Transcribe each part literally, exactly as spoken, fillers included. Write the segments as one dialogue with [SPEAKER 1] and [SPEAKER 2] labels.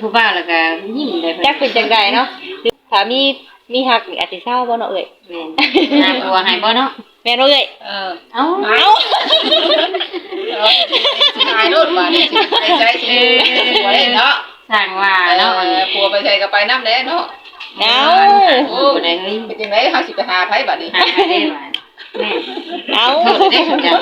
[SPEAKER 1] ผู้บ่าวแล้วก็ยิ้มได้เพิ่น
[SPEAKER 2] จักเป็นจังไดเนาะถ้ามีมีฮักนี่อาจสิเศร้าบ่เนาะเอ้ย
[SPEAKER 1] แม่นหาผัวให้บ่เนาะ
[SPEAKER 2] แม่นบ่เอ้ย
[SPEAKER 3] เออ
[SPEAKER 1] เอ้า
[SPEAKER 2] เอ้า
[SPEAKER 3] สิหายโลดว่านี่สิไปใช้สิผัวได้เนาะ
[SPEAKER 1] สร้างว่า
[SPEAKER 3] เนาะ
[SPEAKER 1] เนาะ
[SPEAKER 3] ผัวไปใช้ก็ไปนำแล้เนาะ
[SPEAKER 2] เอ้า
[SPEAKER 3] โอ้ได้เฮ้ยเป็นจังได๋เฮาสิไปหาไผบัดนี้
[SPEAKER 1] หาให้ได้ว่าแม่
[SPEAKER 2] เอ้า
[SPEAKER 1] โทษได้สนใจ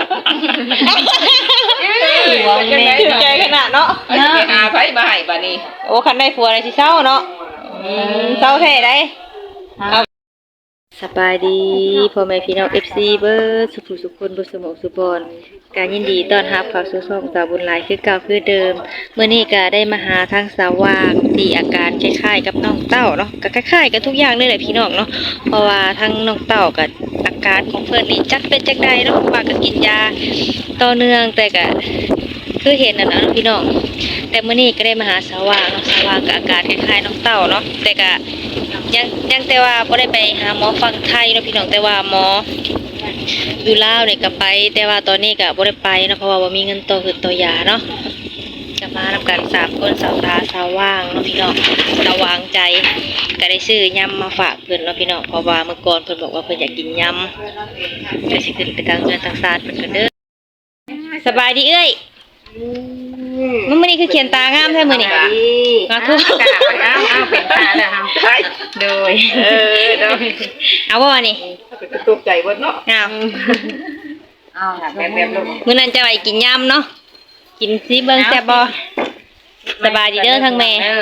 [SPEAKER 2] หัวแม่ถึงใจขนาดเนาะ
[SPEAKER 3] เฮาสิไปหาไผมาให้บัดนี้
[SPEAKER 2] โอ้คันได้ผัวได้สิเศร้าเนาะอืมเศร้าแท้ได้สบายดีพ่อแม่พี่น้อง เอฟ ซี เบิดสุขสุขคนบ่สมองสุบอนการยินดีต้อนรับเข้าสู่ช่องสาวบุญหลายคือเก่าคือเดิมเมื่อนี้ก็ได้มาหาทางสาวว่างที่อาการคล้ายๆกับน้องเต้าเนาะก็คล้ายๆกันทุกอย่างเลยแหละพี่น้องเนาะเพราะว่าทั้งน้องเต้ากับอาการของเพิ่นนี่จักเป็นจักใดเนาะว่าก็กินยาต่อเนื่องแต่ก็คือเห็นนั่นน่ะเนาะพี่น้องแต่มื้อนี้ก็ได้มาหาสาวว่างเนาะสาวว่างก็อาการคล้ายๆน้องเต้าเนาะแต่ก็ยังยังแต่ว่าบ่ได้ไปหาหมอฝั่งไทยเนาะพี่น้องแต่ว่าหมออยู่ลาวนี่ก็ไปแต่ว่าตอนนี้ก็บ่ได้ไปเนาะเพราะว่าบ่มีเงินต่อคือต่อยาเนาะก็มานำกันสามคนสาวตาสาวว่างเนาะพี่น้องระวางใจก็ได้ซื้อยำมาฝากเพิ่นเนาะพี่น้องเพราะว่าเมื่อก่อนเพิ่นบอกว่าเพิ่นอยากกินยำก็สิขึ้นไปทางเงินทางศาสตร์เพิ่นก็เด้อสบายดีเอ้ยมื้อนี้คือเขียนตางามแท้มื้อนี้มาทุก
[SPEAKER 1] เอาเอาเป็นตาแล้วเฮาโดย
[SPEAKER 3] เออเนาะ
[SPEAKER 2] เอาบ่นี่
[SPEAKER 3] ตกใจเบิดเนาะ
[SPEAKER 2] เอา
[SPEAKER 1] เอาล่ะ
[SPEAKER 3] แบบแบบลง
[SPEAKER 2] มื้อนั้นจะไปกินยำเนาะกินสิเบิ่งแซ่บบ่สบายดีเด้อทั้งแม่
[SPEAKER 1] เออก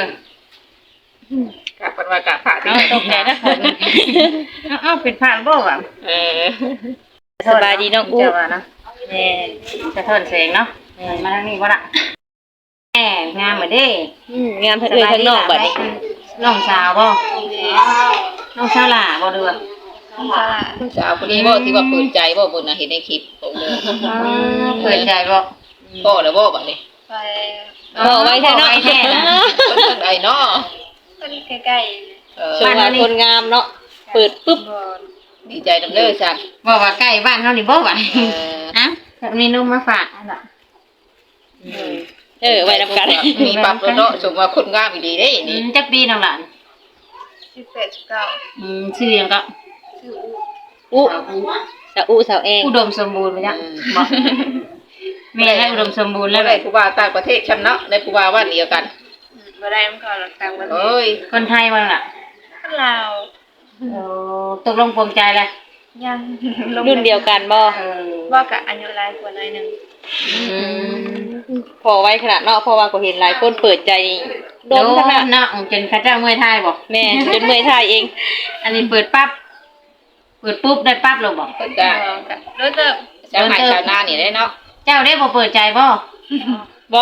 [SPEAKER 3] ะเพิ่นว่ากะพระที่
[SPEAKER 1] เอาตกใจนะเอาเอาเป็นผ่านบ่ว่ะ
[SPEAKER 3] เออ
[SPEAKER 2] สบายดีน้องอู้
[SPEAKER 1] เจ้าว่าเนาะ
[SPEAKER 2] แม่
[SPEAKER 1] สะท้อนแสงเนาะมาทางนี้บ่ล่ะแหมงามเหมือนเด้
[SPEAKER 2] อืมงามทั้งเอ้ยทั้งนอกบัดนี้
[SPEAKER 1] น้องสาวบ่น้องสาวหล่าบ่เด้อ
[SPEAKER 3] ผู้สาวคนนี้บ่ที่ว่าเปิดใจบ่บุญน่ะเห็นในคลิปของเด้อ
[SPEAKER 1] เปิดใจบ่
[SPEAKER 3] พ่อแล้วบ่บัดนี้
[SPEAKER 4] ไป
[SPEAKER 2] พอไว้แท้เนาะ
[SPEAKER 1] พอไว้แท้นะ
[SPEAKER 3] เพิ่นเพิ่นไอ้เนาะ
[SPEAKER 4] คนใกล้
[SPEAKER 3] เออ
[SPEAKER 2] ช่วงว่าคนงามเนาะเปิดปึ๊บ
[SPEAKER 4] ๆบอน
[SPEAKER 3] ดีใจนำเด้อจ้ะ
[SPEAKER 1] บอกว่าใกล้บ้านเฮานี่บ่ว่ะ
[SPEAKER 3] เออ
[SPEAKER 1] อ้าวมีนมมาฝากอันน่ะ
[SPEAKER 2] เออไว้นำกัน
[SPEAKER 3] มีปรับแล้วเนาะสมว่าคนงามอีหลีเด้
[SPEAKER 1] อื
[SPEAKER 3] นี่
[SPEAKER 1] มจักปีน้องหลาน
[SPEAKER 4] สิบแปดสิบเก้า
[SPEAKER 1] อืมชื่อหยังก็
[SPEAKER 4] ชื่ออุ
[SPEAKER 2] อู้สาวอู้สาวเอง
[SPEAKER 1] อุดมสมบูรณ์บ่จ๊ะบ่แม่ให้อุดมสมบูรณ์
[SPEAKER 3] แล้
[SPEAKER 1] แล้ว ว
[SPEAKER 3] ได้ผู้ว่าต่างประเทศชำเนาะได้ผู้ว่าบ้านเดียวกัน
[SPEAKER 4] อืมบ่ได้มันก่อนหลักต่างประเท
[SPEAKER 3] เอ้
[SPEAKER 4] ศ
[SPEAKER 3] ย
[SPEAKER 1] คนไทยบ่ล่ะ
[SPEAKER 4] คนลาว
[SPEAKER 1] โอ้ตกลงปลงใจแล้ว
[SPEAKER 4] ยัง
[SPEAKER 2] รุ่นเดียวกันบ่
[SPEAKER 1] เออ
[SPEAKER 4] บ่กะอายุหลายกว่าหน่อยหนึง
[SPEAKER 2] พอไว้ขนาดเนาะเพราะว่าก็เห็นหลายคนเปิดใจโดนขนาด
[SPEAKER 1] เนาะจนเขาเจ้าเมื่อยทายบ่
[SPEAKER 2] แม่จนเมื่อยท่ายเอง
[SPEAKER 1] อันนี้เปิดปั๊บเปิดปุ๊บได้ปั๊บเลยบ่
[SPEAKER 3] เพิ่นก็
[SPEAKER 4] บ่กะรู้จัก
[SPEAKER 3] ชาวไร่ชาวนานี่ได้เนาะ
[SPEAKER 1] เจ้าได้บ่เปิดใจบ่
[SPEAKER 2] บ่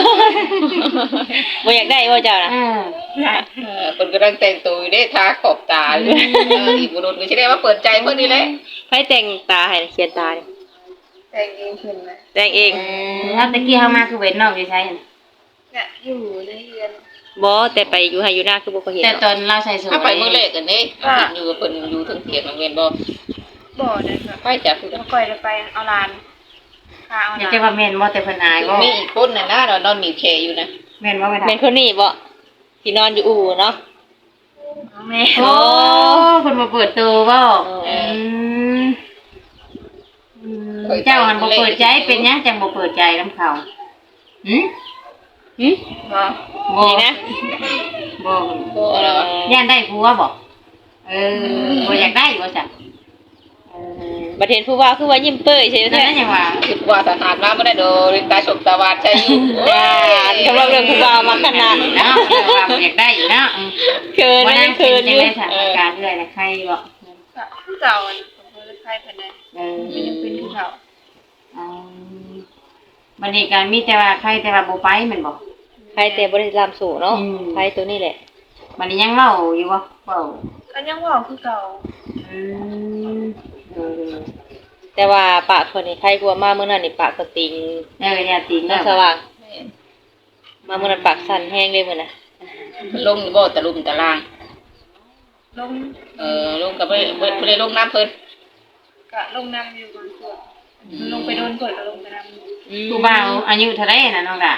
[SPEAKER 2] บ่อยากได้บ่เจ้าน่ะ
[SPEAKER 1] อืม
[SPEAKER 3] เออเพิ่นกำลังแต่งตัวอยู่เด้ทาขอบตาอยู่เอออีบุรุษก็สิได้ว่าเปิดใจเพิ่นนี่แหละ
[SPEAKER 2] ไผแต่งตาให้เขียนตานี่
[SPEAKER 4] แต่งเองขึ้นนะ
[SPEAKER 2] แต่งเอง
[SPEAKER 1] แล้วตะกี้เฮามาคือเว้นนอกอยู่ใช่
[SPEAKER 4] กะอยู่ในเรือน
[SPEAKER 2] บ่แต่ไปอยู่ให้อยู่หน้าคือบ่เคยเห็น
[SPEAKER 1] แต่ต
[SPEAKER 2] เนาะ
[SPEAKER 1] อนเราใส่สูท
[SPEAKER 3] ถ้าไปมื้อแรกกันเด้เห็นอยู่กับเพิ่นอยู่เทั้งเถียงนำเวนบ่
[SPEAKER 4] บ่ได้ค่ะ
[SPEAKER 3] ไปจ้ะผู้
[SPEAKER 4] บ่ค่อยได้ไปเอาหลานพาเอาห
[SPEAKER 1] อยาก
[SPEAKER 4] ลาน
[SPEAKER 1] จะว่าแม่นบ่แต่เพิ่นอายบ่
[SPEAKER 3] มีอีกคนน่ะนะนอนมีแขอยู่นะ
[SPEAKER 1] แม่นบ่แม่น
[SPEAKER 2] แม่นคนนี้บ่ที่นอนอยู่อู่เนาะ
[SPEAKER 4] แม่
[SPEAKER 1] โอ้เพิ่นบ่เปิดตัวบ่
[SPEAKER 2] เออ
[SPEAKER 1] อืมอืมเจ้าหันบ่เปิดใจเป็นหยังจังบ่เปิดใจนำเขาหึ
[SPEAKER 2] หึ
[SPEAKER 4] บ่
[SPEAKER 1] บ่
[SPEAKER 2] นี่นะ
[SPEAKER 1] บ่
[SPEAKER 3] บ่แล้วอะ
[SPEAKER 1] ย่านได้ผัวบ่เออบ่อยากได้บ่จ้ะเออ
[SPEAKER 2] บัดเห็นผู้ว่าคือว่ายิ้มเป้ยใช่ไหม
[SPEAKER 1] นั่น
[SPEAKER 2] แท้
[SPEAKER 1] นะหยังว่า
[SPEAKER 3] คิดว่าทหารมาบ่ได้โดนตาฉกตาวาดใจอยู่
[SPEAKER 2] ด่านสำหรับเรื่องผู้ว่ามาขนาด
[SPEAKER 1] เนาะว่าบ่อยากได้อยู่เนาะอืม
[SPEAKER 2] เคิน
[SPEAKER 1] บ่
[SPEAKER 2] นะ
[SPEAKER 1] นั่
[SPEAKER 2] ยัง ง
[SPEAKER 1] เคิ
[SPEAKER 2] เคิ
[SPEAKER 1] น
[SPEAKER 2] น
[SPEAKER 1] จั
[SPEAKER 2] อง ยู่
[SPEAKER 1] ได้สถานการณ์เรื่อยนะใครบ่
[SPEAKER 4] กะผู้เก่าอันผมบ่ได้ไปเพิ่นได้
[SPEAKER 1] เออ
[SPEAKER 4] ยังเป็นผู้เก่า
[SPEAKER 1] อืมบัดนี้ก็มีแต่ว่าใครแต่ว่าบ่ไปแม่นบ่
[SPEAKER 2] ใครแต่บริษัทสู่เนาะ
[SPEAKER 1] อืม
[SPEAKER 2] ใครตัวนี้แหละ
[SPEAKER 1] บัดนี้ยังเว้าอยู่บ่เว้า
[SPEAKER 4] ก็ยังเว้าคือเก่า
[SPEAKER 1] อืมเออ
[SPEAKER 2] แต่ว่าปากคนนี่ใครกลัวมากเมื่อนั้นนี่ปากก็ติง
[SPEAKER 1] เอออย่าติง
[SPEAKER 2] น้อ
[SPEAKER 1] เนาะ
[SPEAKER 2] งสว่างมาเมื่อนั้นปากสั่นแห้งเลยมื้อน่ะ
[SPEAKER 3] ลงบ่ตะลุมตะลาง
[SPEAKER 4] ลง
[SPEAKER 3] เออลงก็บ่ได้บ่ได้ลงน้ำเพิ่น
[SPEAKER 4] กะลงน้ำอยู่บางส่วนลงไปโดนกดก็ลงไปน้ำ
[SPEAKER 2] อืม
[SPEAKER 1] ผู้บ่าวอายุเท่าไหร่น่ะน้องดะ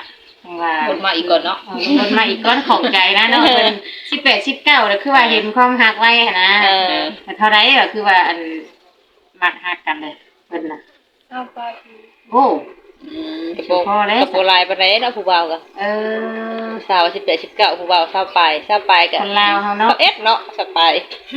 [SPEAKER 1] ว่า
[SPEAKER 3] คนมาอีกก่อนเนาะ
[SPEAKER 1] เออคนมาอีกก้อนของใจนะเนาะเพิ่นสิบแปด สิบเก้าแล้วคือว่าเห็นความฮักไว้หั้นนะ
[SPEAKER 2] เออ
[SPEAKER 1] แต่เท่าไรก็คือว่าอันมักฮักกันเลยเพิ่นน่ะ
[SPEAKER 4] เอาไปคือ
[SPEAKER 1] โอ้
[SPEAKER 3] อืม
[SPEAKER 2] กระโปรงกระโปรงลายปานใดเนาะผู้บ่าวก็
[SPEAKER 1] เออ
[SPEAKER 2] สาวสิบแปด สิบเก้าผู้บ่าวสาวปลายสาวปลายก็
[SPEAKER 1] คนลาวเฮาเนาะ
[SPEAKER 2] เอ็ดเนาะสาวปลาย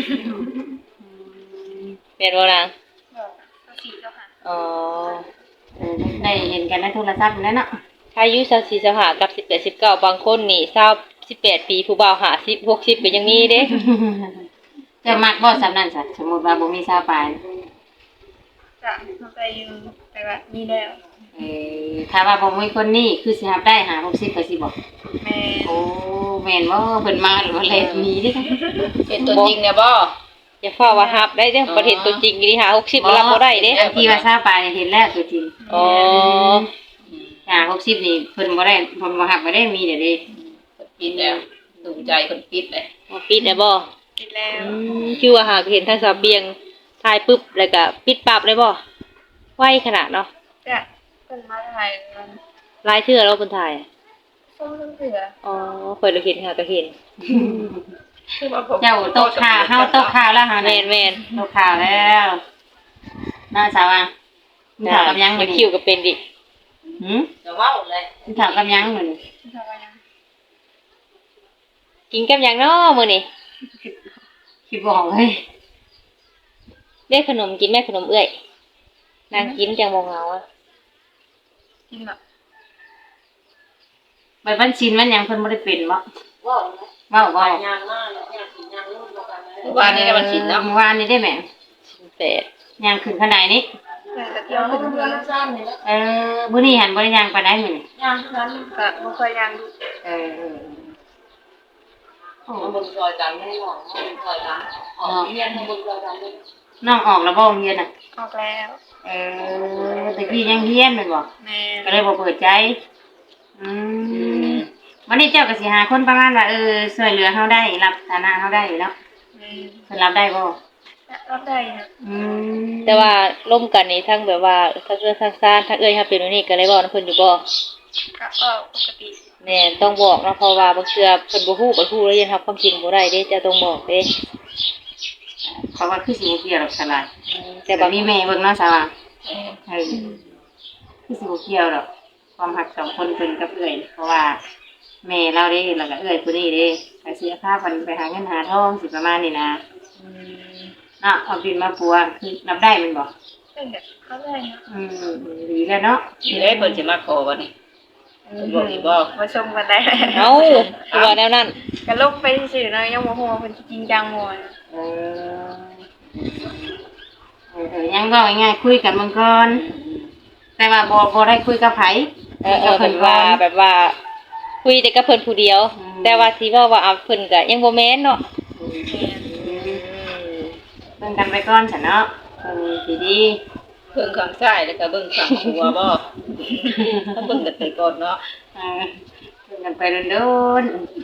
[SPEAKER 2] แม่นบ่นาง
[SPEAKER 4] บอกก็สีเจ้าค่ะ
[SPEAKER 2] อ๋อ
[SPEAKER 1] เออได้เห็นกันในโทรศัพท์นั่นเนาะ
[SPEAKER 2] ถ้าอายุสาวสี่สาวห้ากับสิบแปด สิบเก้าบางคนนี่สาวสิบแปดปีผู้บ่าวห้าสิบ หกสิบก็ยังมีเด้
[SPEAKER 1] จะมักบ่สำนั้นซะสมมุติว่าบ่มีสาวปลาย
[SPEAKER 4] จะเอาไปอยู่แต่ว่ามีแล้ว
[SPEAKER 1] เออถ้าว่าบ่มีคนนี้คือสิรับได้หาหกสิบก็สิบ่
[SPEAKER 4] แม่
[SPEAKER 1] โอ้แม่นบ่เพิ่นมาหรือว่าเล่นหนีเดิค่ะ
[SPEAKER 3] เป็นตัวจริงเนี่ยบ่
[SPEAKER 2] อย่าเฝ้าว่าฮับได้เด้อประเทศตัวจริงอีหลีหาหกสิบรับบ่ได้เด้
[SPEAKER 1] อันที่ว่าสาวปลายเห็นแล้วตัวจริง
[SPEAKER 2] อ๋อ
[SPEAKER 1] หาหกสิบนี่เพิ่นบ่ได้เพิ่นบ่ฮับบ่ได้มีเด้อเด้
[SPEAKER 3] ปิดแล้วถูกใจคนปิดเลย
[SPEAKER 2] มาปิดได้บ่
[SPEAKER 4] ปิดแล้ว
[SPEAKER 2] อืมคือว่าหากเห็นทางสาวเบียงถ่ายปึ๊บแล้วก็ปิดปั๊บเลยบ่ไวขนาดเนาะ
[SPEAKER 4] จะเป็นมาถ่ายมัน
[SPEAKER 2] ลายเทื่อเราเพิ่นถ่าย
[SPEAKER 4] ส้มเสือ
[SPEAKER 2] อ๋อเพิ่นเราเห็นหาก็เห็น
[SPEAKER 1] เจ้าตกข่าวเฮาตกข่าวแล้วหา
[SPEAKER 2] แม่นแม่น
[SPEAKER 1] ตกข่าวแล้วน่าสาวอ่ะมีข่าวกับยัง
[SPEAKER 2] มั
[SPEAKER 1] มื้
[SPEAKER 2] น
[SPEAKER 1] อ
[SPEAKER 2] คิ
[SPEAKER 1] นี้
[SPEAKER 2] วก็เป็นดิ
[SPEAKER 1] หือ
[SPEAKER 3] จะว้าวเลย
[SPEAKER 1] มีข่าวกับยังมื้อนี้
[SPEAKER 4] ทำไมนะ
[SPEAKER 2] กินกับหยังเนาะมื้อนี้
[SPEAKER 1] คิดบ่ออกเลย
[SPEAKER 2] ได้ขนมกินแม่ขนมเอื้อยนางกินจังบ่เหงาอ่ะ
[SPEAKER 4] กินแบบ
[SPEAKER 1] บัดวันชินวันหยังเพิ่นบ่ได้เป็นบ่
[SPEAKER 3] ว้าว
[SPEAKER 1] เว้าบ่
[SPEAKER 3] ยางมากเลยยางกินยางรุ่นเดียวกันเลยวันนี้มันกินเนาะ
[SPEAKER 1] เมื่อวานนี้ได้แม่
[SPEAKER 2] สิบแปด
[SPEAKER 1] ย่างขึ้นข้างในนี้
[SPEAKER 4] เพื่อนจะเที่ยวขึ้นเพื่อน
[SPEAKER 1] เออมื้อนี้หันบ่ได้ย่างปานใดมื้อนี้
[SPEAKER 3] ยางทั้งนั้น
[SPEAKER 4] ก็ไม่เคยยังดู
[SPEAKER 1] เออโอ้
[SPEAKER 3] มันบนซอยกันไม่หวังมันบนซอยกันอ๋อเรียนมันบนซอยกันเลย
[SPEAKER 1] น้องออกแล้วบ่โรงเรียนน่ะ
[SPEAKER 4] ออกแล้ว
[SPEAKER 1] เออแต่พี่ยังเฮียนแม่นบ่
[SPEAKER 4] แม่
[SPEAKER 1] ก็เลยบ่เปิดใจ อืมวันนี้เจ้าก็สิหาคนประมาณว่าเออช่วยเหลือเฮาได้ รับฐานะเฮาได้อยู่แล้ว
[SPEAKER 4] แม่
[SPEAKER 1] เพิ่นรับได้บ่
[SPEAKER 4] รับได้นะ
[SPEAKER 1] อืม
[SPEAKER 2] แต่ว่าร่วมกันนี่ทั้งแบบว่าทั้งเอื้อยทั้งซ่านทั้งเอื้อยทั้งเป็นอันนี้ก็เลยบอกนำเพิ่นอยู่บ่
[SPEAKER 4] ก็ออกปกติ
[SPEAKER 2] แน่ต้องบอกเนาะเพราะว่าบางเทื่อเพิ่นบ่ฮู้บ่ฮู้แล้วยังรับความจริงบ่ได้เด้จะต้องบอกเด้
[SPEAKER 1] เพราะว่าคือสิบ่เกี่ยวหรอกสลาย
[SPEAKER 2] แต่
[SPEAKER 1] แต่
[SPEAKER 2] บา
[SPEAKER 1] บ่
[SPEAKER 2] ง
[SPEAKER 1] มีแม่เบิ่งเนาะสาวาเออคือสิบ่เกี่ยวหรอกความรักสองคนเพิ่นกับเอื้อยเพราะว่าแม่เราเด้แล้วก็เอื้อยผู้นี้เด้ก็เสียค่าเพิ่นไปหาเงินหาทองสิประมาณนี้นะ
[SPEAKER 2] อืม
[SPEAKER 1] เนาะเอาบินมาปัวคือรับได้แมันบ่
[SPEAKER 4] เพื่อนแบบเขาได้นะ
[SPEAKER 1] อืมดีแล้วเนาะ
[SPEAKER 3] ทีแรกเพิ่นจะมาขอวันนี้บอกอีกบ่
[SPEAKER 4] มาชมกันได้
[SPEAKER 2] เอ้าคือว่าแนวนั้น
[SPEAKER 4] กันลบไปสื่อๆเนาะยังโมโหเป็นจริงจังโมย
[SPEAKER 1] เออเออเออยังก็ง่ายๆคุยกันเมืองก่อนแต่ว่าบ่บ่ได้คุยกับไผ
[SPEAKER 2] เออเออแบบว่าแบบว่า คุยแต่กับเพิ่นผู้เดียว แต่ว่าสิเว้าว่าเอาเพิ่นก็ยังบ่แม่นเนาะ
[SPEAKER 1] เบิ่งกันไปก่อนฉันเนาะเออดีดี
[SPEAKER 3] เบิ่งข้างซ้ายแล้วก็เบิ่งข้างหัวบ่ถ้าเบิ่งกันไปก่อนเนาะ
[SPEAKER 1] ๆเออเบิ่งกันไปโดน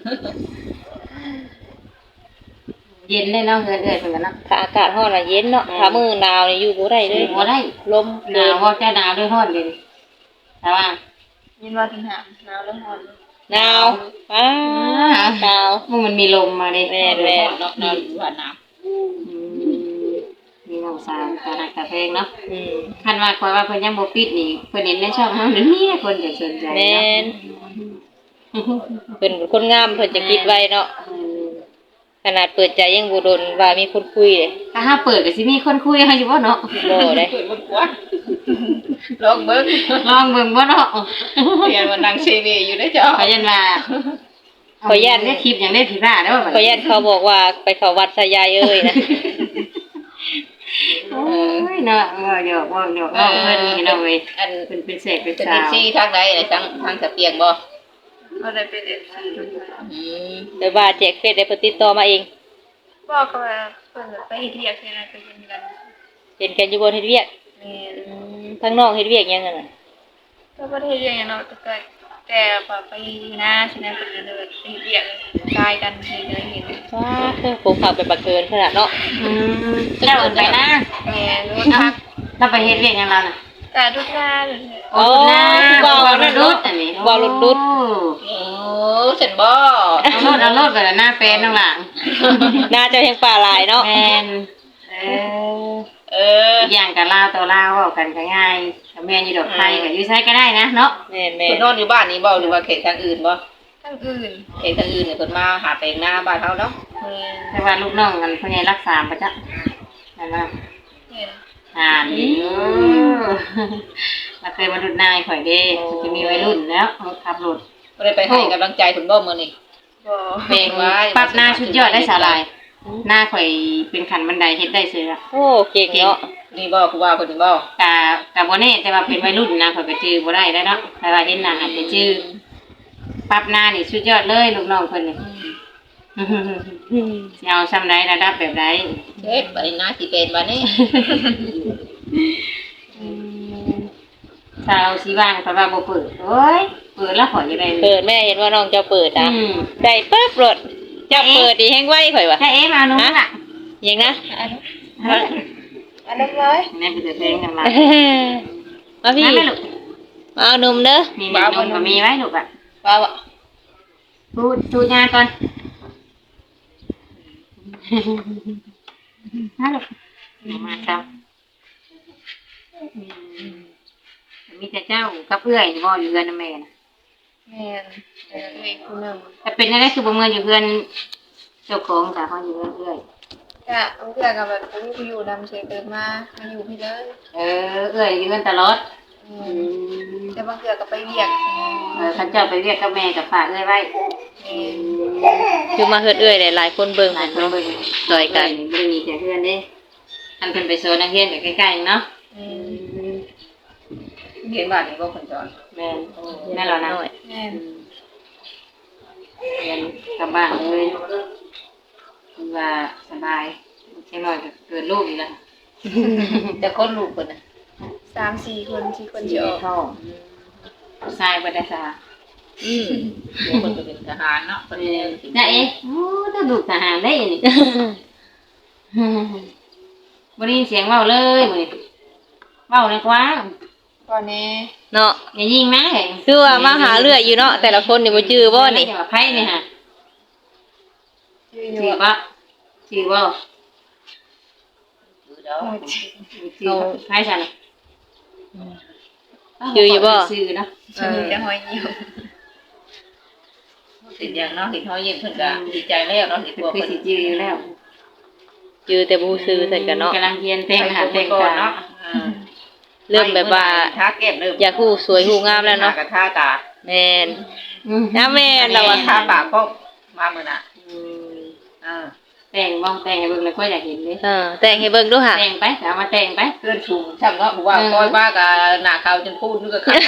[SPEAKER 1] ๆเย็นเลยเนาะเฮือนเอื้อยเพิ่นกันเนาะ
[SPEAKER 2] ถ้าอากาศร้อนน่ะเย็นเนาะถ้ามื้อหนาวนี่อยู่บ่ได้เลย
[SPEAKER 1] บ่ได้
[SPEAKER 2] ลม
[SPEAKER 1] หนาวบ่จะหนาวด้วยร้อนเลยแต่ว่า
[SPEAKER 4] ยินว่าถึงหามหนาวแล้วหอน
[SPEAKER 2] หนาวอ้าหนาว
[SPEAKER 1] มันมันมีลมมาดิ
[SPEAKER 2] แม่นแม่
[SPEAKER 3] เนาะนอนอยู่ว่าน้ำ
[SPEAKER 1] อืมมีน้องสาวตาหักตาเพลงเนาะ
[SPEAKER 2] อืม
[SPEAKER 1] คันว่าคอยว่าเพิ่นยังบ่ปิดนี่เพิ่นเห็นในช่องเฮาเดี๋ยวนี้คนจะสนใจ
[SPEAKER 2] แม่
[SPEAKER 1] เนาะ
[SPEAKER 2] นเพิ่นเป็นคนงามเพิ่นจะคิดไว้เนาะ
[SPEAKER 1] อืม
[SPEAKER 2] ขนาดเปิดใจยังบ่โดนว่ามีคนคุยเลย
[SPEAKER 1] ถ้าหาเปิดก็สิมีคนคุยเฮาอยู่บ่เนาะ
[SPEAKER 2] บ่ได้
[SPEAKER 3] เปิดบนหัวลองเบิ่ง
[SPEAKER 1] ลองเบิ่งบ่เนาะ
[SPEAKER 3] เรียนมานั่งซีวีอยู่ได้เจ้า
[SPEAKER 1] ขอยันว่าขอยันได้คลิปอย่างได้ผิดพลาดเด้อบัด
[SPEAKER 2] ขอยันเขาบอกว่าไปเข้าวัดสายายเอ้ยนะ
[SPEAKER 1] โอ้ยเนาะว่าหยอกว่าหยอกว่าเพิ่นนี่เนาะเว้ย
[SPEAKER 3] อัน
[SPEAKER 1] เพิ่นเป็นเสกเป็น
[SPEAKER 3] เป็น
[SPEAKER 1] สาว
[SPEAKER 3] ซีทางใดทางทางสะเปียงบ่
[SPEAKER 4] ก็ได้เป็นเอฟซี
[SPEAKER 3] อืม
[SPEAKER 2] แต่ว่าแจกเฟซได้เพิ่นติดต่อมาเอง
[SPEAKER 4] บอกกันว่าเพื่อนไปเฮ็ดเรียกใช่ไหมไปเย็นกัน
[SPEAKER 2] เป็นกันอยู่บนเฮ็ดเวียก
[SPEAKER 4] แม่
[SPEAKER 2] อืมทางน้องเฮ็ดเวียกหยังกันน่ะ
[SPEAKER 4] ก็บ่ได้เฮ็ดเรียกอย่างเนาะแต่ก็แต่ว่าไปนะใช่ไหมเพิ่นก็เลยไปเฮ็ดเรียกกายกันเห็นเลยเห็น
[SPEAKER 2] ว้าคือผมขับไปบักเกินขนาดเนาะ
[SPEAKER 1] อืมเจ้าเอิ้นไปนะ
[SPEAKER 4] แม่รู้
[SPEAKER 1] เอ้า
[SPEAKER 4] ทัก
[SPEAKER 1] เราไปเฮ็ดเวียกหยังเราน่ะ
[SPEAKER 4] เกะทุกหน้าเลย
[SPEAKER 1] โอ้นะบ่าวรถดุดอันนี้
[SPEAKER 2] บ่าวรถดุด
[SPEAKER 3] โอ้ฉันบ่
[SPEAKER 1] เอารถเอารถไปแล้วหน้าเป็นข้างหลัง
[SPEAKER 2] น่าจะแห่งป่าหลายเนาะ
[SPEAKER 1] แม่นเออ
[SPEAKER 3] เออ
[SPEAKER 1] อีกอย่างกับลาวตัวลาวเว้ากันก็ง่ายกับแม่นอยู่ดอกไทยก็อยู่ไสก็ได้นะเนาะ
[SPEAKER 2] แม่นแม่
[SPEAKER 3] เพิ่นนอนอยู่บ้านนี้บ่หรือว่าเขตทางอื่นบ่
[SPEAKER 4] ทั้งอื่น
[SPEAKER 3] เขตทางอื่นเนี่ยเพิ่นมาหาแต่งหน้าบ้านเฮาเนาะ
[SPEAKER 4] แม่น
[SPEAKER 1] แต่ว่าลูกน้องกันเพิ่นให้รักษาประจ๊ะนั่นว่า
[SPEAKER 4] แม่น
[SPEAKER 1] อ่านอยู่มาเคยมาดุดนายข่อยเด้จะมีวัยรุ่นแล้วขับรถ
[SPEAKER 3] บ่ได้ไปให้กำลังใจเพิ่นบ่มื้อนี้
[SPEAKER 4] บ่
[SPEAKER 1] เพลงปรับหน้าชุดยอดได้สาลาย หน้าข่อยเป็นขันบันไดเฮ็ดได้เสือ
[SPEAKER 2] โอ้เก่งเนาะ
[SPEAKER 3] นี่บ่คือว่าเพิ่นนี่บ่
[SPEAKER 1] กะกะบ่แน่แต่ว่าเป็นวัยรุ่นนะข่อยก็จื้อบ่ได้แล้วเนาะแต่ว่าเห็นหน้าอาจจะจื้อปรับหน้านี่ชุดยอดเลยลูกน้องเพิ่นนี่สิเอาซ้ำใดระดับแบบใด
[SPEAKER 3] เฮ็ดไปหน้าสิเป็นบัดนี้
[SPEAKER 1] ถ้าเราสิว่างเพราะว่าบ่เปิดโอ้ยเปิดแล้วข่อยจะได้
[SPEAKER 2] เปิดแม่เห็นว่าน้องจะเปิดอ่ะ
[SPEAKER 1] อืม
[SPEAKER 2] ได้ปึ๊บรถจะเปิดดีแฮงไว้ข่อยว่ะ
[SPEAKER 1] ถ้าเอ๊ะมาหนูล่ะ
[SPEAKER 2] ยังนะ
[SPEAKER 4] อันนั้นร้อย
[SPEAKER 1] แม่เป็นเพลงกันมา
[SPEAKER 2] มาพี่
[SPEAKER 1] มาแม่ลูก
[SPEAKER 2] มาเอานมเด้อ
[SPEAKER 1] มีนมก็มีไว้ลูกอ่ะ
[SPEAKER 3] ว่าบ่
[SPEAKER 1] ดูดูงานก่อนมาลูกมาครับมีแต่เจ้ากับเอื้อยนี่บ่อยู่เรือนนะแม่นะ
[SPEAKER 4] แม่นเออเอกผู้หนึง
[SPEAKER 1] แต่เป็นอะไรคือบ่เมือนอยู่เรือนเจ้าของแต่เขาอยู่เรือนเอื้อย
[SPEAKER 4] กะเอาเพื่อนกับแบบบ่มีผู้อยู่นำเฉยเกิดมามาอยู่พี่เลย
[SPEAKER 1] เออเอื้อยอยู่เรือนตลอด
[SPEAKER 4] อื
[SPEAKER 1] อื
[SPEAKER 4] ม
[SPEAKER 1] ม
[SPEAKER 4] แต่บางเทื่อก็ไปเวียก
[SPEAKER 1] เออเขาเจ้าไปเรียกกับแม่กับฝากเอื้อยไว้
[SPEAKER 4] แม่น
[SPEAKER 2] คือมาเฮ็ดเอื้อยหลายๆคนเบิ่ง
[SPEAKER 1] หลายคนเบิ่ง
[SPEAKER 2] ซอยกัน
[SPEAKER 1] บ่ได้มีแต่เพื่อนเด้อันเพิ่นไปโซนนักเรียนก็ใกล้ๆเนาะ
[SPEAKER 4] อืม
[SPEAKER 3] เห็นบ้านนี่บ่เพิ่นจอน
[SPEAKER 1] แม่นแม่นแล้วนะ
[SPEAKER 4] แม่น
[SPEAKER 1] เรียนกลับบ้านเลยคือว่าสบายเช่นน้อยก็เกิดลูกอีกแล้ว
[SPEAKER 3] แต่คนลูกเพิ่นน่ะ
[SPEAKER 4] สามสี่คนสี่คน
[SPEAKER 1] คน
[SPEAKER 4] สิ
[SPEAKER 1] เดีย
[SPEAKER 4] อ
[SPEAKER 1] ว
[SPEAKER 4] อก
[SPEAKER 1] ท้องชายบ่ได้สา
[SPEAKER 3] อืมเดี๋ยวเพิ่นก็เป็นทหารเนาะเพิ่นเนี่ยสิ
[SPEAKER 1] น่ะเอ๊ะโอ้ถ้าลูกทหารได้นี่ บ่ได้ยินเสียงเว้าเลยมื้อนี้เว้าในกว้าง
[SPEAKER 4] ก่อนแน่
[SPEAKER 2] เนาะ
[SPEAKER 1] อย่ายิงนะเห็น
[SPEAKER 2] คือว่ามาหาเรื่อยอยู่เนาะแต่ละคนนี่บ่จื้อบ่นี่
[SPEAKER 1] เดี๋ยวว่าไผนี่ฮะ
[SPEAKER 4] ชื่ออ
[SPEAKER 1] ชื่
[SPEAKER 4] ยู่
[SPEAKER 1] อบ่ชื่อบ่
[SPEAKER 3] คือเด้อ
[SPEAKER 1] ชื่อไผซั่นน่ะ
[SPEAKER 2] จื้ออยู่บ่
[SPEAKER 1] ชื่อเนาะ
[SPEAKER 4] ชื่อจะหอยเหี่ยว
[SPEAKER 3] สิอย่างเนาะเห็นเฮายิ้มเพิ่นก็ดีใจแล้วเนาะเห็น
[SPEAKER 1] เป็น
[SPEAKER 3] ตัว
[SPEAKER 1] คือ
[SPEAKER 3] เพิ่น
[SPEAKER 1] สิจื้ออยู่แล้ว
[SPEAKER 2] จื้อแต่บ่ซื้อใส่กันเนาะ
[SPEAKER 1] กำลังเรียนแต่งหาแต่ง
[SPEAKER 3] ก่อน
[SPEAKER 1] ตา
[SPEAKER 3] เนาะอ่า
[SPEAKER 2] เริ่มแบบว่า
[SPEAKER 3] ทาแก้มเริ่ม
[SPEAKER 2] อยากฮู้สวยฮู้งามแล้วเนาะ
[SPEAKER 3] กระทาตา
[SPEAKER 2] แม่นน้าแม่น
[SPEAKER 3] เรา
[SPEAKER 2] เรา
[SPEAKER 3] ว่า
[SPEAKER 2] อะ
[SPEAKER 3] ทาปากก็มามื้อน่ะ
[SPEAKER 1] อืม
[SPEAKER 3] อ่า
[SPEAKER 1] แต่งบ้องแต่งให้เบิ่งเลยก็อยากเห็นเลย
[SPEAKER 2] เออแต่งให้เบิ่งดูค่ะ
[SPEAKER 1] แต่งไปเอามาแต่งไป
[SPEAKER 3] เพื่อนชูช่างเนาะบอกว่าคอยบ้ากับหน้าขาวจนพูดนึกก็ขาด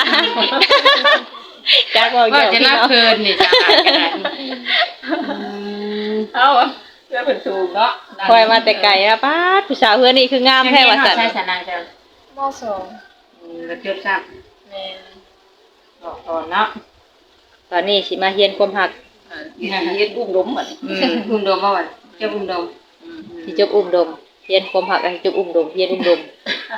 [SPEAKER 2] จักบอก
[SPEAKER 1] ก็
[SPEAKER 2] เดี๋ยว
[SPEAKER 1] จะ
[SPEAKER 2] พี่
[SPEAKER 1] รับ
[SPEAKER 2] เนาะ
[SPEAKER 1] เพลินนี่จ้าขนาดนี้
[SPEAKER 3] เอาเพื่อนเป็นชูเนาะ
[SPEAKER 2] คอยมาแต่ไกลนะป้าดผู้สาวเพื่อนนี่คืองามแท้ว่าซั่น
[SPEAKER 1] ใช่สนางจ้ะ
[SPEAKER 4] มสอง
[SPEAKER 1] อืมก็จดทราบ
[SPEAKER 4] แม่น
[SPEAKER 1] บอกก่อนเนาะ
[SPEAKER 2] ตอนนี้สิมาเฮียนความหัก
[SPEAKER 3] ยืนยืนอุ้มล้มเหมือน
[SPEAKER 2] อืม
[SPEAKER 1] อุ้มดมบ่วะเจ้าอุ้มดม
[SPEAKER 2] สิจบอุ้มดมเฮียนความหักให้จบอุ้มดมเฮียนอุ้มดม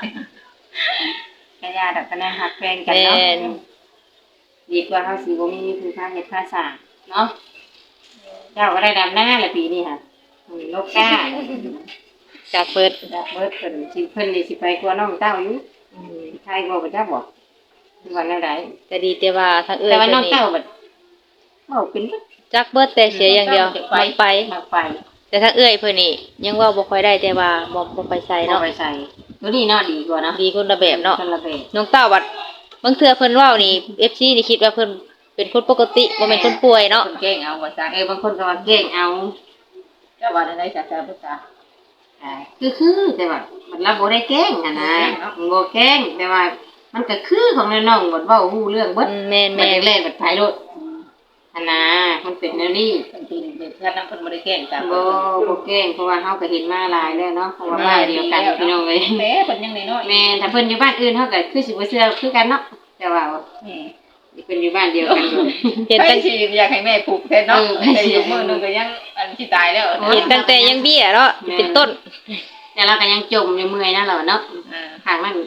[SPEAKER 1] กระยาดับคะแนนหักแฟนกัน
[SPEAKER 2] แม่
[SPEAKER 1] เนาะ
[SPEAKER 2] น
[SPEAKER 1] ดีกว่าเฮาสิบ่มีคือค่าเฮ็ดค่าสร้างเนาะเจ้าก็ได้ดำหน้าละปีนี้ค่ะอืมนกกา
[SPEAKER 2] จากเปิด
[SPEAKER 1] ดับเบิดเพิ่นสิเพิ่นนี่สิไปกลัวน้องเต้าอยู่
[SPEAKER 2] อืม
[SPEAKER 1] ใครบ่บ่จักบอกคือว่าแนวใด
[SPEAKER 2] ก็ดีแต่ว่าทางเอื้อ
[SPEAKER 1] แต่
[SPEAKER 2] ย
[SPEAKER 1] ว่า
[SPEAKER 2] เพิ่
[SPEAKER 1] น้อน ง
[SPEAKER 2] นี่
[SPEAKER 1] เต้าบัดเว้าเป็นบัด
[SPEAKER 2] จักเบิดแต่เสียอย่างเดียวมักไป
[SPEAKER 1] มักไป
[SPEAKER 2] แต่ทางเอื้อยเพิ่นนี่ยังเว่าบ่ค่อยได้แต่ว่าบ่บ่ไปใส่
[SPEAKER 1] บ่
[SPEAKER 2] เนาะ
[SPEAKER 1] ไปใส่ตัวนี้เนาะดีกว่าเนาะ
[SPEAKER 2] ดีคนละแบบเนาะ
[SPEAKER 1] คนละแบบ
[SPEAKER 2] น้องเต้าบัดบางเทื่อเพิ่นเว้านี่ เอฟ ซี นี่คิดว่าเพิ่นเป็นคนปกติบ่แม่นคนป่วยเนาะ
[SPEAKER 3] คนเก่งเอาว่าซะ
[SPEAKER 1] เออบางคนก็ว่าเก่งเอา
[SPEAKER 3] เจ้าว่าได้จากจากพุทธา
[SPEAKER 1] อ่าคือคือแต่ว่ามันรับบ่ได้เก่งอ่ะนะมันบ่เก่งแต่ว่ามันก็คือของน้องๆบัดเว้าฮู้เรื่องเบิด
[SPEAKER 2] อืมแม่น
[SPEAKER 1] แม่
[SPEAKER 2] แม่น
[SPEAKER 1] เล่นบัดไผโลดอันน่ะมันเป็นแนวนี้
[SPEAKER 3] คนที่เป็นท่านนั้นคนบ่ได้เก่งจาก
[SPEAKER 1] บ่บ่เก่งเพราะว่าเฮาก็เห็นมาหลายแล้วเนาะเพราะว่าบ้านเดียวกันพี่น้องเอ้ย
[SPEAKER 3] แม่เพิ่นยังน้อย
[SPEAKER 1] แม่ถ้าเพิ่นอยู่บ้านอื่นเฮาก็คือสิบ่เชื่อคือกันเนาะแต่ว่า
[SPEAKER 3] ๆนี่
[SPEAKER 1] เพิ่นอยู่บ้านเดียวกันอยู่
[SPEAKER 2] เห็น
[SPEAKER 3] ไป
[SPEAKER 2] ตั้ง
[SPEAKER 3] สิอยากให้แม่ผูกแทนเนาะแต่อยู่มื้อนึงก็ยังอันที่ตายแล้ว
[SPEAKER 2] เห็นตั้งแต่ยังเบี้ยเนาะเป็นต้น
[SPEAKER 1] แต่เราก็ยังจมอยู่เมื่อยนะเราเนาะ
[SPEAKER 3] อ่า
[SPEAKER 1] ข้างนั้นแฮ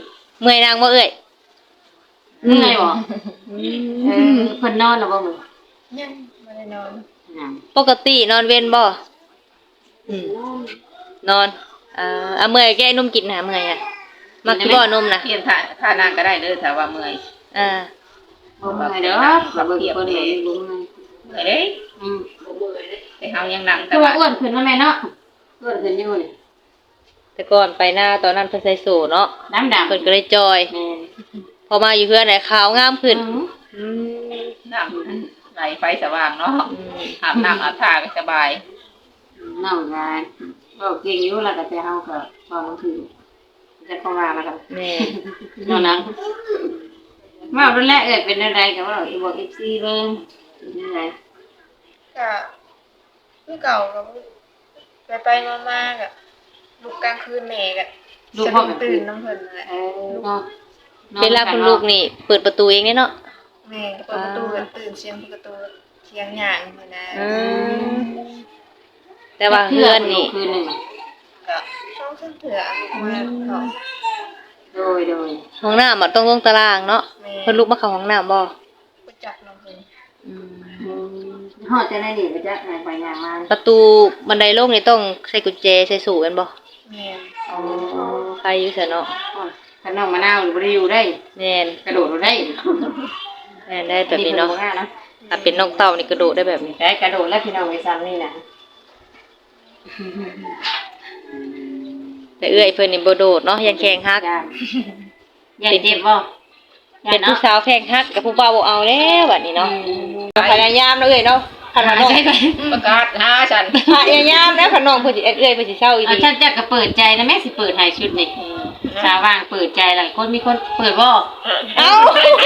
[SPEAKER 2] เมื่อยนางบ่เอ้ย
[SPEAKER 1] เมื่อยบ่เออเพิ่นนอนแล้วบ่มื้อ
[SPEAKER 4] ยังไม่ได้นอน
[SPEAKER 1] นั่น
[SPEAKER 2] ปกตินอนเว้นบ่อืมนอนเอ่อเอาเมื่อยแก้นมกินหาเมื่อยอ่ะมักสิบ่นมน่ะ
[SPEAKER 3] เปลี่ยนท่าท่านางก็ได้เด้อถ้าว่าเมื่อย
[SPEAKER 2] อ่า
[SPEAKER 1] บ่เมื่อยเด้อบ่เบิ่งเพิ่นเลยบ่เมื่อย
[SPEAKER 3] เมื่อยเด้
[SPEAKER 1] อืม
[SPEAKER 3] แต่เฮายังนั่ง
[SPEAKER 1] คือว่าอ้วนขึ้นแล้วแม่เนาะอ้วนขึ้นอยู่นี่
[SPEAKER 2] แต่ก่อนไปหน้าตอนนั้นเพิ่นใส่สูทเนาะ
[SPEAKER 1] ดำดำ
[SPEAKER 2] เพิ่นก็เลยจอย
[SPEAKER 1] แม่
[SPEAKER 2] พอมาอยู่เพื่อนได้ขาวงามขึ้น
[SPEAKER 1] อืม
[SPEAKER 2] อืม
[SPEAKER 3] น้ำไหลไฟสว่างเนาะ
[SPEAKER 2] อืม
[SPEAKER 3] อาบน้ำอาบท่าก็สบาย
[SPEAKER 1] น้องงานก็เก่งอยู่แล้วก็แต่เฮาก็พอมันคือจะเข้ามาแล้วก็
[SPEAKER 2] แม่
[SPEAKER 1] นอนนังว่ารุ่นแรกเอิดเป็นอะไรกับว่าอีบอก เอฟ ซี เบิ่งเป็นอะไร
[SPEAKER 4] ก็คือเก่ากับไปไปมามาๆกับลูกกลางคืนแม่กับสะดุ้งตื่นน้ำเพิ่นนั่นแหละ
[SPEAKER 1] เออเนาะ
[SPEAKER 2] เวลาคุณลูกนี่ เปิดประตูเองเนี่ยเนาะ
[SPEAKER 4] แม่ก็เปิดประตูกันตื่นเสียงประตูเสียงหยางนี่นะ
[SPEAKER 2] อืมแต่ว่าเพื่อนนี่
[SPEAKER 1] คืนหนึ่ง
[SPEAKER 4] ก็ช่องเส้นเถื่อมาเขา
[SPEAKER 1] โดยโดย
[SPEAKER 2] ห้องน้ำมันต้องลงตารางเนาะ
[SPEAKER 4] แม่
[SPEAKER 2] เพิ่นลุกมาเข้าห้องน้ำบ่
[SPEAKER 4] ประจักษ์น้ำเพิ่น
[SPEAKER 2] อืม
[SPEAKER 1] อืมฮอดจะได้ดีไปจ้ะไหนไปอย่างมา
[SPEAKER 2] ประตูบันไดลงนี่ต้องใส่กุญแจใส่สูกันบ่
[SPEAKER 4] แม่
[SPEAKER 1] อ๋อ
[SPEAKER 2] ใครอยู่ซะเนาะ
[SPEAKER 1] ขนมมะนาวบ่ได้อยู่ได้
[SPEAKER 2] แม่น
[SPEAKER 1] กระโดดได้
[SPEAKER 2] แม่นได้แบบนี้เนาะ
[SPEAKER 1] พิ่บ่ง่ย
[SPEAKER 2] ถ้าเป็นนกเต่านี่กระโดดได้แบบนี้
[SPEAKER 1] ได้กระโดดแล้วพี่น้องไปซ้ำนี่นะ
[SPEAKER 2] แต่เอื้อยเพิ่นนี่บ่โดดเนาะยังแข่งฮัก
[SPEAKER 1] ย่านย่านเจ็บบ่ย่า
[SPEAKER 2] เป็น
[SPEAKER 1] น
[SPEAKER 2] ผู้
[SPEAKER 1] เนาะ
[SPEAKER 2] สาวแข่งฮักกับผู้บ่าวบ่เอาแล้วบัดนี้เนาะพยายามเนาะเอ้ยเนาะคันว่าน้อง
[SPEAKER 3] ประกาศหาฉัน
[SPEAKER 2] พยายามแล้วคันน้องเพิ่นสิเอ้ยเพิ่นสิเศร้าอี
[SPEAKER 1] เอา
[SPEAKER 2] ดี
[SPEAKER 1] ฉันจะก็เปิดใจนะแม่สิเปิดให้ชุดนี่สาวว่างเปิดใจแล้วคนมีคนเปิดบ่
[SPEAKER 2] เอ้า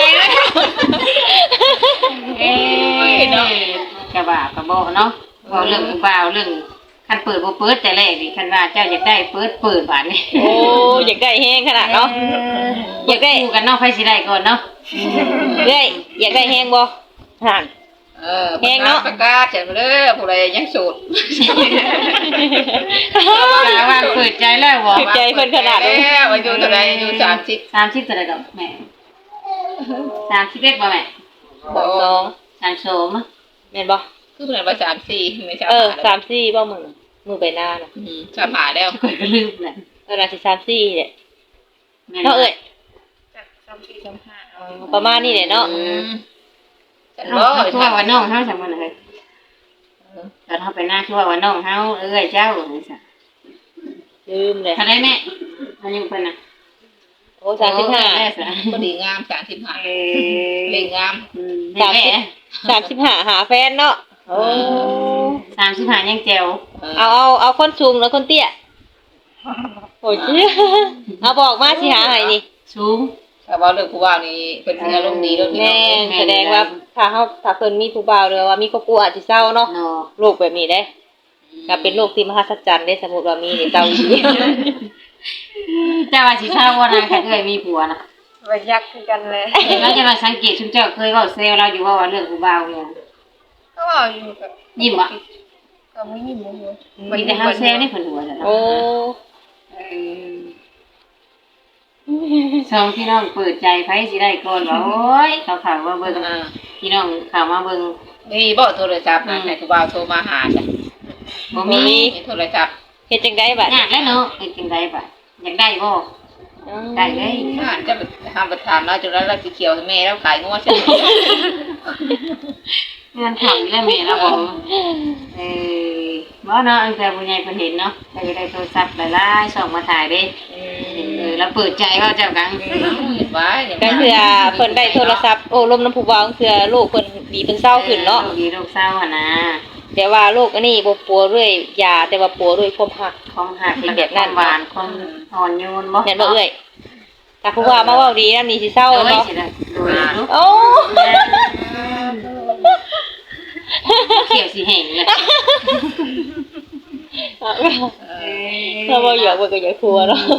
[SPEAKER 1] เอ้ยเนาะกะบ่ากะบ่เนาะเว้าเรื่องผู้บ่าวเรื่องคันเปิดบ่เปิดแต่แรกนี่คันว่าเจ้าอยากได้เปิดเปิดบาดนี้
[SPEAKER 2] โอ้อยากได้แฮงขนาดเนาะอยากได้
[SPEAKER 1] คู่กันเนาะไผสิได้ก่อนเนาะ
[SPEAKER 2] เอ้ยอยากได้แฮงบ่ห่าน
[SPEAKER 3] เออประกาศประกาศฉันเด้อผู้ใดยังโสด
[SPEAKER 1] สาวว่างเปิดใจแล้วบ่
[SPEAKER 2] ใจเพิ่นขนาด
[SPEAKER 3] แล้
[SPEAKER 2] นี้
[SPEAKER 3] วอายุเท่าใดอายุสามสิบ
[SPEAKER 1] สามสิบเท่าไหร่ดอกแม่สามสิบเอ็ดบ่แม่
[SPEAKER 2] สองสอง
[SPEAKER 1] สามสอง
[SPEAKER 2] แม่นบ่
[SPEAKER 3] คือเพิ่นว่าสามสี่ไม่ใช่
[SPEAKER 2] เออสามสี่บ่มึงมือไปหน้าน่ะ
[SPEAKER 3] อืมสามหาแล้ว
[SPEAKER 1] ข่อยก็ลืมแหละ
[SPEAKER 2] เออน่าสิสามสี่เนี่ย
[SPEAKER 1] แม่
[SPEAKER 2] เนาะเอ้ย
[SPEAKER 4] จากสามสี่สามห้า
[SPEAKER 2] เออประมาณนี้แหละเนาะ
[SPEAKER 3] อืมฉัน
[SPEAKER 1] เนาะ
[SPEAKER 3] บ่
[SPEAKER 1] คือว่าว่าน้องเฮาจังมันเลยตอนเฮาไปหน้าคือว่าว่าน้องเฮาเอ้ยเจ้านี่ซะ
[SPEAKER 2] ลืมเลย
[SPEAKER 1] เท่าได้แม่อายุเพิ่นน่ะ
[SPEAKER 2] โอ้สามสิบห้า
[SPEAKER 1] แม่ซะ
[SPEAKER 3] พอดีงามสามสิบห้า
[SPEAKER 1] เอ้
[SPEAKER 3] เล่งงาม
[SPEAKER 1] อืม
[SPEAKER 2] สาม
[SPEAKER 1] แม่
[SPEAKER 2] สิบสามสิบห้าหาแฟนเนาะโอ้
[SPEAKER 1] สามสิบห้ายังแจ๋ว
[SPEAKER 2] เอาเอาเอาคนสูงแล้วคนเตี้ยโอ้ยเอาบอกมาสิหาให้นี่
[SPEAKER 1] สูง
[SPEAKER 3] ถ้าว่าเรื่องผู้ว่านี่เพิ่นสิอารมณ์ดีเด้อพี่น้
[SPEAKER 2] แม่
[SPEAKER 3] อง
[SPEAKER 2] นแสดงว่าถ้าเฮาถ้าเพิ่นมีผู้บ่าวหรือว่ามีครอบครัวอาจสิเศร้าเนาะ
[SPEAKER 1] เนาะ
[SPEAKER 2] โรคแบบนี้เด้ก็เป็นโรคที่มหัศจรรย์ได้สมมุติว่ามีนี่เศร้าอีหลี
[SPEAKER 1] เจ้าว่าสิทราบว่านะค่ะเอ้ยมีผัวน่ะ
[SPEAKER 4] ไปยักษ์คือกันเลย
[SPEAKER 1] เราจะมาสังเกตชุมเจ้าเคยเว้าเซลเราอยู่ว่าว่าเรื่องผู้บ่าวเนี่ย
[SPEAKER 4] ก็บอกอยู่กับ
[SPEAKER 1] ยิ้มอ่ะ
[SPEAKER 4] ก็ไม่ยิ้มเลย
[SPEAKER 1] มีแต่เฮาเซลนี่เพิ่นหัวจ้ะเนาะ
[SPEAKER 2] โอ้
[SPEAKER 1] เออสองพี่น้องเปิดใจไผสิได้ก่อนว่าโอ้ยเขาข่าวว่าเบิ่ง
[SPEAKER 3] อ่า
[SPEAKER 1] พี่น้องข่าวมาเบิ่ง
[SPEAKER 3] นี่บ่โทรศัพท์นะให้ผู้บ่าวโทรมาหาจ้ะ
[SPEAKER 1] บ่มี
[SPEAKER 3] มีโทรศัพท์
[SPEAKER 2] เฮ็ดจังได๋บัด
[SPEAKER 1] ยากแล้วเนาะเอ้ยจังได๋บ่ะอยากได้บ่ได้เลย
[SPEAKER 3] อ่านจะไปทำประธานแล้วจนแล้วเราสิเขียวให้แม่แล้วขายงัวใช่ไหม
[SPEAKER 1] งานถามแล้วแม่เราบอกเออบ่เนาะตั้งแต่ผู้ใหญ่เพิ่นเห็นเนาะก็จะได้โทรศัพท์หลายๆส่งมาถ่ายเด้
[SPEAKER 2] อื
[SPEAKER 1] เอ
[SPEAKER 2] ม
[SPEAKER 1] อแล้วเปิดใจเขาเจ้ากัง
[SPEAKER 3] เห็นไว้เนี่ย
[SPEAKER 2] ก็คือเพิ่นได้โทรศัพท์โอ้ลมน้ำผู้บ่าวเพื่อลูกเพิ่นดีเพิ่นเศร้าขึ้นเนาะ
[SPEAKER 1] ดีลูกเศร้าหั่นนะ
[SPEAKER 2] แต่ว่าโรคอันนี้บ่ปัวด้วยยาแต่ว่าปัวด้วยความหัก
[SPEAKER 1] ความหักและแบบความหวานความอ่อนโยนบ่
[SPEAKER 2] แม่นบ่เอ้ยถ้าผู้ว่ามาเว้าดีนำนี่สิเศร้า
[SPEAKER 1] โอ้ย
[SPEAKER 2] เนาะ
[SPEAKER 1] สิได้โดยลูก
[SPEAKER 2] โอ้
[SPEAKER 1] เขียวสิแห้งเลย
[SPEAKER 2] ถ้าบ่อยากเบิ่งก็อยากทัวเนาะ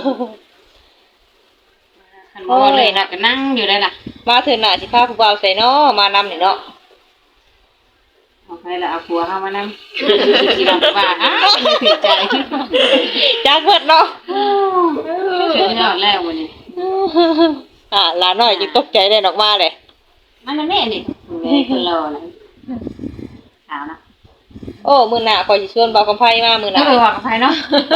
[SPEAKER 1] คันบ่เลยน่ะก็นั่งอยู่ได้ล่ะ
[SPEAKER 2] มาเถิดหน้าสิพาผู้บ่าวใส่เนาะมานำนี่เนาะ
[SPEAKER 1] เอาไปละเอาผัวเฮามานำสิลำว่าอ้าวไม่ผิดใจ
[SPEAKER 2] จักเบิดเนาะ
[SPEAKER 1] สุดยอดแล้ววันนี้
[SPEAKER 2] อ่าหลานน้อยจึงตกใจได้ออกมาเลย
[SPEAKER 1] มันนั่นแม่นี่แม่คนรอนะขาวนะ
[SPEAKER 2] โอ้มื้อหน้าข่อยสิชวนบ่าวกำไผมามื้อห
[SPEAKER 1] เอ
[SPEAKER 2] น้า
[SPEAKER 1] อว่ากับใครเนาะ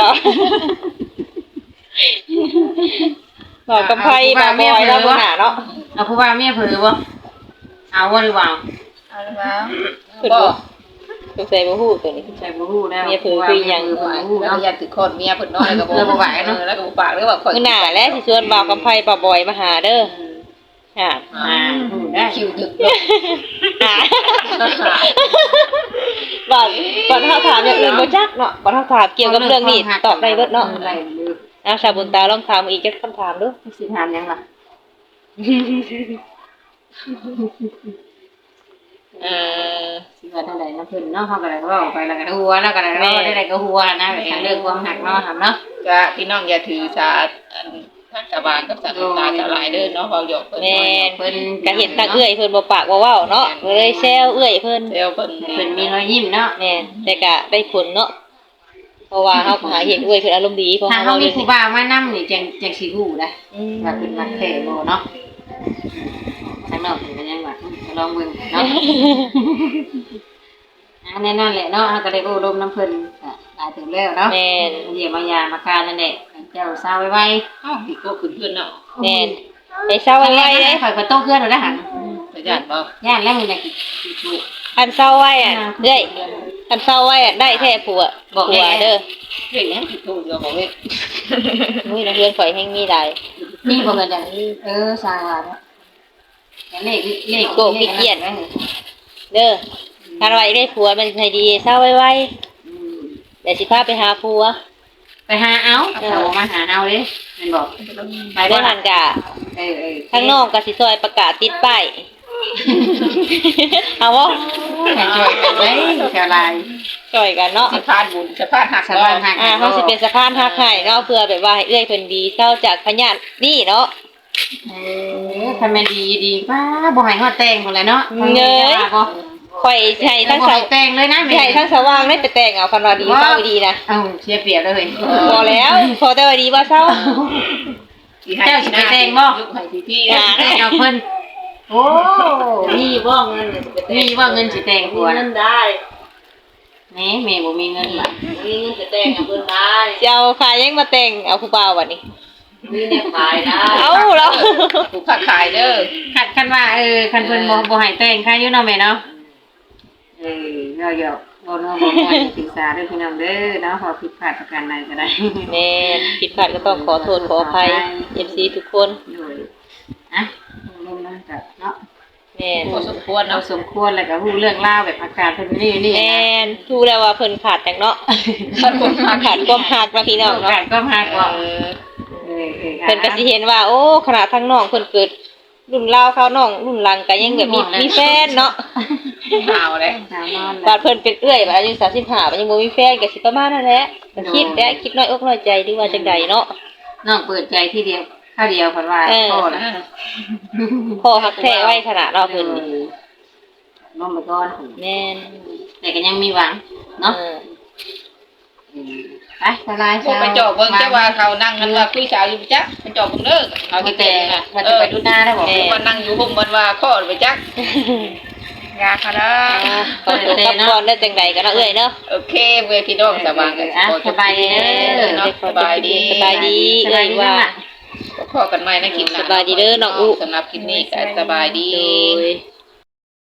[SPEAKER 2] บ่าวกำไผบ่าวบอยแล้วมื้อหน้าเนาะ
[SPEAKER 1] เอาผู้ว่าเมียเผลอบ่เอาว่าหรือเปล่า
[SPEAKER 4] เอาละแล้ว
[SPEAKER 2] เพิ่นบ่สงสัยบ่ฮู้ตัวนี้
[SPEAKER 1] ใช่บ่ฮู้แล้ว
[SPEAKER 2] เมียเผลอคือหยัง
[SPEAKER 1] บ่ฮู้
[SPEAKER 3] แล้ว
[SPEAKER 1] เนาะ
[SPEAKER 3] ก็ยันถือคนเมียเพิ่นน้อยแล้วก็บ่
[SPEAKER 1] แล้วบ่ไหวเนาะ
[SPEAKER 3] ออแล้วก็บ่ปากแล้วก็ข่อย
[SPEAKER 2] มื้อหน้าแหละสิชวนบ่าวกำไผบ่าวบอยมาหาเด้อค่ะ
[SPEAKER 1] อ่าฮู้ได้
[SPEAKER 3] คิวดึกเนาะ
[SPEAKER 2] อ่าบ่าวบ่าวเฮาถามอย่างอื่นบ่จักเนาะบ่าวเฮาถามเกี่ยวกับเรื่องนี้ตอบได้เบิดเนาะ
[SPEAKER 1] ได้เลย
[SPEAKER 2] อ่ะชาวบุญตาลองถามอีกจักคำถามดู
[SPEAKER 1] สิถามหยังล่ะ
[SPEAKER 3] เออ
[SPEAKER 1] สิว่าเท่าใดนะเพิ่นเนาะเฮาก็ได้เว้าไปแล้วก็หัวแล้วก็ได้เว้าได้ก็หัวนะแบบทางเรื่องความหักเนาะครับเนาะ
[SPEAKER 3] ก็พี่น้องอย่าถือสาอันทางชาวบ้านกับสาตาชาวหลายเด้อเนาะเว้าหยอกเพิ่น
[SPEAKER 2] แม่น
[SPEAKER 1] เพิ่น
[SPEAKER 2] ก็เห็นทางเอื้อยเพิ่นบ่ปากบ่เว้าเนาะก็เลยแซวเอื้อยเพิ่น
[SPEAKER 3] เซลเพิ่น
[SPEAKER 1] เพิ่นมีรอยยิ้มเนาะ
[SPEAKER 2] แม่นแต่ก็ได้ผลเนาะเพราะว่าเฮาก็หาเห็นเอื้อยเพิ่นอารมณ์ดีเพราะ
[SPEAKER 1] ถ้า
[SPEAKER 2] เฮา
[SPEAKER 1] เฮา
[SPEAKER 2] เว้า
[SPEAKER 1] มี
[SPEAKER 2] เรื่อง
[SPEAKER 1] ผู้
[SPEAKER 2] นี้
[SPEAKER 1] บ่าวมานํนี่จังจังสิฮู้ได้
[SPEAKER 2] อืม
[SPEAKER 1] ว่าเป็นมักแท้บ่เนาะข้างนอกเพิ่นก็ยังว่าลองเบิ่งเนาะอันแน่นอนแหละเนาะเฮาก็ได้โอ้ลมน้ำเพิ่นก็หลายถึงแล้วเนาะ
[SPEAKER 2] แม่น
[SPEAKER 1] เยี่ยมมายามมาการนั่นแหละเจ้าสาวไว้
[SPEAKER 3] เอ้าพี่ก็ขึ้นเพื่อนเนาะ
[SPEAKER 2] แม่นให้เศร้า
[SPEAKER 1] ๆ
[SPEAKER 2] ไว้เด้
[SPEAKER 1] ข่อยก็โตเพื่อนแล้วหัน
[SPEAKER 3] ไปญาติบ่
[SPEAKER 1] ย่านแล้วมึงอยากกินลูก
[SPEAKER 2] อันเศร้าไว้อะเอ้ยอันเศร้าไว้อะได้แท้ผัวผัวเด้อ
[SPEAKER 3] เฮ็ดหยังผิดถูกเดี๋ยวบอกเว้ย
[SPEAKER 2] มื้อนักเรียนข่อยแฮงมีหลาย
[SPEAKER 1] นี่บ่เงินอย่างนี้เออสร้างว่าเนาะแต่เลขเลข
[SPEAKER 2] เด้อคันว่าอยากได้ผัวมันให้ดีเศร้าไว้ๆ
[SPEAKER 1] อืม
[SPEAKER 2] เดี๋ยวสิพาไปหาผัว
[SPEAKER 1] ไปหาเอาเอามาหาเอาเด้แม่นบอก
[SPEAKER 2] ไปได้หันกะ
[SPEAKER 1] เออเออ
[SPEAKER 2] ข้างนอกก็สิซอยประกาศติดป้ายเอาบ่
[SPEAKER 1] ให้ช่วยกันเด้แถวลาย
[SPEAKER 2] ช่วยกันเนาะ
[SPEAKER 3] สะพานบุญสะพานหัก
[SPEAKER 1] สะพานหัก
[SPEAKER 2] อ่าเขาสิเป็นสะพานฮักให้เนาะเพื่อแบบว่าให้เอื้อยเพิ่นดีเศร้าจากพญาตินี่เนาะ
[SPEAKER 1] เออคันแม่นดีดีป้าบ่ให้ฮอดแต่งพุ่นแหละเนาะ
[SPEAKER 2] เงย
[SPEAKER 1] บ่
[SPEAKER 2] ข่อยสิให้ทั้ง
[SPEAKER 1] บ่
[SPEAKER 2] สา
[SPEAKER 1] ให้
[SPEAKER 2] ว
[SPEAKER 1] แต่งเลยนะ
[SPEAKER 2] สิให้ทั้งสว่างได้ไปแต่งเอาคันว่าดีเศร้าดีนะ
[SPEAKER 1] เอ้าเสียเปรียบเลย
[SPEAKER 2] พอแล้วพอแต่ว่าดีว่าเศร้า
[SPEAKER 1] เจ้าสิไปแต่งบ่
[SPEAKER 3] ยุคให้พี่
[SPEAKER 1] เจ้าสิแต่งเอาเพิ่นโอ้มีบ่เงินมีบ่เงินสิแต่งผัว
[SPEAKER 3] นั่นได้
[SPEAKER 1] แหม่แม่บ่มีเงินล่ะ
[SPEAKER 3] มีเงินจะแต่งกับเพิ่นได้
[SPEAKER 2] สิเอาขายยังมาแต่งเอาผู้บ่าวบัดนี้
[SPEAKER 3] มีแนวขายได้
[SPEAKER 2] เอาแล้ว
[SPEAKER 3] ผู้ค้าขายเด้อ
[SPEAKER 1] คันคันว่าเออคันเพิ่นบ่บ่ให้แต่งค่ะอยู่เนาะแม่เนาะเออเนาะเดี๋ยวบ่เนาะบ่ม่วนศึกษาเด้อพี่น้องเด้อเนาะขอผิดพลาดประการใดก็ได้
[SPEAKER 2] แม่นผิดพลาดก็ต้องขอโทษขออภัย เอฟ ซี ทุกคน
[SPEAKER 1] โดยอ่ะลงนั่นก็เนาะ
[SPEAKER 2] แม่น
[SPEAKER 3] พอสมควร
[SPEAKER 1] เรา
[SPEAKER 3] เนาะ
[SPEAKER 1] สมควรแล้วก็รู้เรื่องราวแบบอาการเพิ่นนี่นี่
[SPEAKER 2] แม่
[SPEAKER 1] นะ
[SPEAKER 2] นรู้แล้วว่าเพิ่นขาดจังเนาะ
[SPEAKER 3] ท่านคนค้า
[SPEAKER 2] ขาดความหักนะพี่น้อง
[SPEAKER 1] โอ
[SPEAKER 2] เนาะ
[SPEAKER 1] กาสก็มากกว่า
[SPEAKER 3] เออ
[SPEAKER 1] เออเออ
[SPEAKER 2] เพิ่นก็สิเห็นว่า โอ้ขนาดทั้งน้องเพิ่นเกิดรุ่นราวเขาน้องรุ่นหลังก็ยังแบบมีมีแฟนเนาะ
[SPEAKER 3] ข่าวเลย
[SPEAKER 1] สาวนอน
[SPEAKER 2] บาดเพิ่นเป็นเอื้อยบาดอายุสามสิบห้าบาดยังบ่มีแฟนก็สิประมาณนั้นแหละก็คิดแต่คิดน้อยอกน้อยใจดีว่าจังใดเนาะ
[SPEAKER 1] น้องเปิดใจที่เดียวข้าวเดียวเพิ่นว่า
[SPEAKER 2] เออ
[SPEAKER 1] พ่อนะ
[SPEAKER 2] พ่อฮักแท้ไว้ขนาดเราะเพิ่นนี่
[SPEAKER 1] น้องไปก่อน
[SPEAKER 2] แม่น
[SPEAKER 1] แต่ก็ยังมีหวังเนาะ
[SPEAKER 2] เออ
[SPEAKER 1] ไปสบาย
[SPEAKER 3] พวกไปจอบเบิ่งจ้าว่าเขานั่งกันว่าคุยสาวอยู่จักไปจอบเบิ่งเด้อเขา
[SPEAKER 1] เอา
[SPEAKER 3] ที่
[SPEAKER 1] แต่
[SPEAKER 3] แต่งนะ
[SPEAKER 1] ว่า
[SPEAKER 3] เอ
[SPEAKER 1] จะ
[SPEAKER 3] อ
[SPEAKER 1] ไปดูหน้าได้บ่
[SPEAKER 3] ว่านั่งอยู่ห่มบันว่าข้อไปจัก
[SPEAKER 4] ยาค่ะเด้อ
[SPEAKER 2] อ่าขอตัวกลับก่อนได้จังใดก็เนาะเอ้ยเนาะ
[SPEAKER 3] โอเคเว้ยพี่น้องสบายกัน
[SPEAKER 1] อ่ะสบายดีเด้อ
[SPEAKER 3] เนาะสบายดี
[SPEAKER 2] สบายดี
[SPEAKER 1] สบายดี
[SPEAKER 2] ว่า
[SPEAKER 1] ว่า
[SPEAKER 3] พอกันใหม่ในคลิปหน้า
[SPEAKER 2] สบายดีเด้อน้องอุ
[SPEAKER 3] สำหรับคลิปนี้ก็สบายดี
[SPEAKER 2] โดย